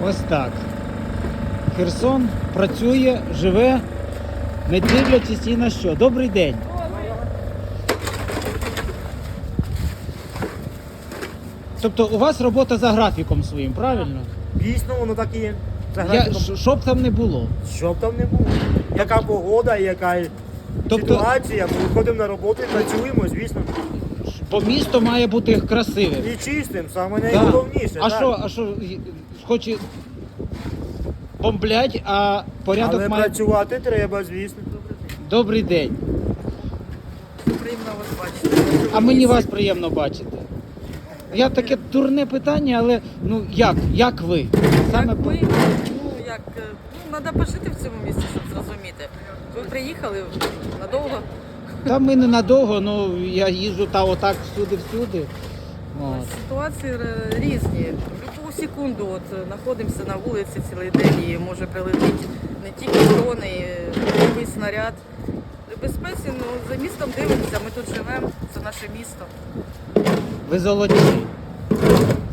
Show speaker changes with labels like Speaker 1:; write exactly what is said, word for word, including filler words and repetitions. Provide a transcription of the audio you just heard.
Speaker 1: Ось так. Херсон працює, живе, не дивлячись ні на що. Добрий день. Тобто у вас робота за графіком своїм, правильно?
Speaker 2: Дійсно, воно так і є. За
Speaker 1: Я,
Speaker 2: графіком.
Speaker 1: щ- щоб там не було.
Speaker 2: Що б там не було. Яка погода, яка
Speaker 1: Тобто-
Speaker 2: ситуація, ми виходимо на роботу і працюємо, звісно.
Speaker 1: Бо місто має бути красивим.
Speaker 2: І чистим, саме
Speaker 1: Да.
Speaker 2: найголовніше.
Speaker 1: А
Speaker 2: так.
Speaker 1: що, а що, хоч і бомблять, а порядок
Speaker 2: Але
Speaker 1: має...
Speaker 2: працювати треба, звісно.
Speaker 1: Добрий день.
Speaker 3: Приємно вас бачити.
Speaker 1: А мені вас приємно бачити. Я таке дурне питання, але ну як? Як ви? Саме
Speaker 3: Як
Speaker 1: по-
Speaker 3: ми, ну як, е, ну треба пожити в цьому місці, щоб зрозуміти. Ви приїхали надовго,
Speaker 1: Та ми ненадовго, ну я їжджу та отак всюди-всюди. От.
Speaker 3: ситуації е, різні. В будь-яку секунду от, е, знаходимося на вулиці цілий день і може прилетіти не тільки дрони, і бойовий снаряд. В безпеці, ну, за містом дивимося, ми тут живемо, це наше місто.
Speaker 1: Ви золоті.